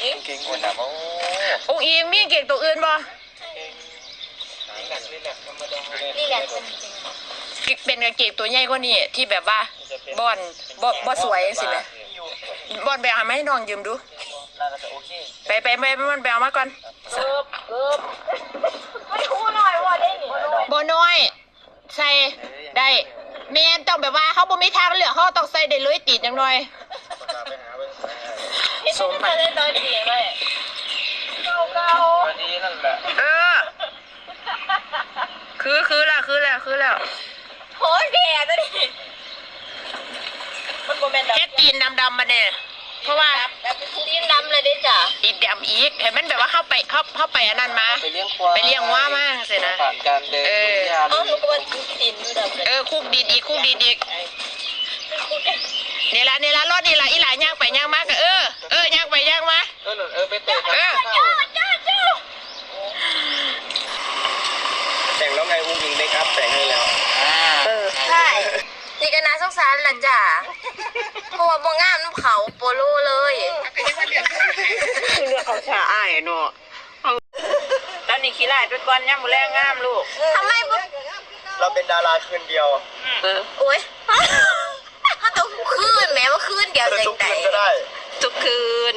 เก่งคนนะโอ้องค์อีมีเก่งตัวอื่นบ่นี่แหละเป็นกางเกงตัวใหญ่กว่านี้ที่แบบว่าบอนสวยสิแม่บอนไปเอามาให้น้องยืมดูไปมันไปเอามาก่อนเกือบไม่คู่หน่อยว่าได้หนิบ่น้อยใส่ได้แม่นต้องแบบว่าเขาบ่มีทางเลือกเขาต้องใส่ได้เลยตีนจังหน่อยสมไปได้ตอนดีไหมเก่าดีนั่นแหละคือแล้วโหแก่ตัวนี้มันโมเมนต์แค่ตีนดำมาเนี่ยเพราะว่าแบบตีนดำเลยดิจ้ะตีนดำอีกเห็นมันแบบว่าเข้าไปอันนั้นมาไปเลี้ยงว่ามากสินะผ่านการเดินหนูก็ว่าตีนดำเลยคุกดินอีกนี่ละรถนี่ละอีหลายย่างไปย่างมากย่างไปย่างมาไปเตะแต่งแล้วไงอุ้งอิงได้ครับแต่งให้แล้วใช่นี่ก็น่าสงสารล่ะจ้ะเพราะว่าบ่งามน้ำเขาโปโลเลยคือเรื่องเขาชาอ้ายเนาะตอนนี้ขี้ไล่เป็นก้อนย่างมือแรงงามลูกทำไมเราเป็นดาราคืนเดียวโอ้ยถ้าต้องคืนแม้ว่าคืนเดียวใจใจก็ได้ทุกคืน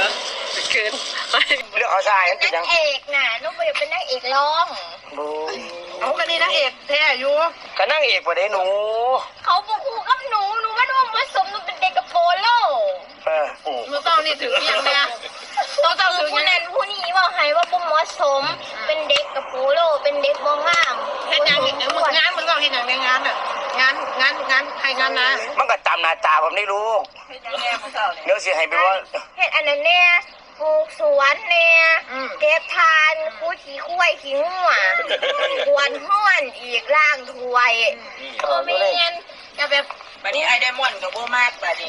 เรื่องเขาชายนั่นนางเอกน่ะนุ๊กอยากเป็นนางเอกร้องเอากันนี่นางเอกแท้อยู่ก็นางเอกกว่าได้หนูเขาบอกคู่กับหนูว่าน้องผสมหนูเป็นเด็กกับโปโลหนูต้องนี่ถึงอย่างเนี้ยต้องถึงผู้นั้นผู้นี้ว่าให้ว่าบุ้มผสมเป็นเด็กกับโปโลเป็นเด็กมองงามเห็นอย่างงานมึงก็เห็นอย่างในงานอ่ะงานให้งานนะมันก็จำหน้าตาผมได้รู้เดี๋ยวสิให้ไปว่าเห็นอันนั้นเนี่ยปลูกสวนเนี่ยเก็บทานคูขี้คุ้ยขี้งัวกวนห้อนอีกล่างถวยไม่เงี้ยจะแบบบัดนี้ไอเดมอนกับโบมากบัดนี้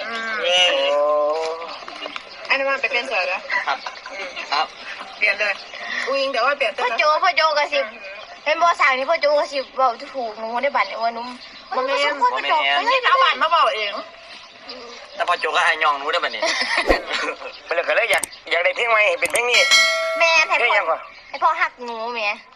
ไอเดมอนไปเป็นเสือแล้วครับเปลี่ยนเลยอุ้งเดี๋ยวว่าเปลี่ยนพ่อโจกระสิบเป็นบอสั่งนี่พ่อโจกระสิบบอกถูกหนูได้บัตรว่านุ่มมันไม่พ่อโจกไม่ได้เอาบัตรมาบอกเองแต่พอโจก็ให้ย่องหนูได้บัดนี้ไปเลยก็เลยอยากได้เพลงใหม่เป็นเพลงนี้แม่ให้พ่อหักหนูแม่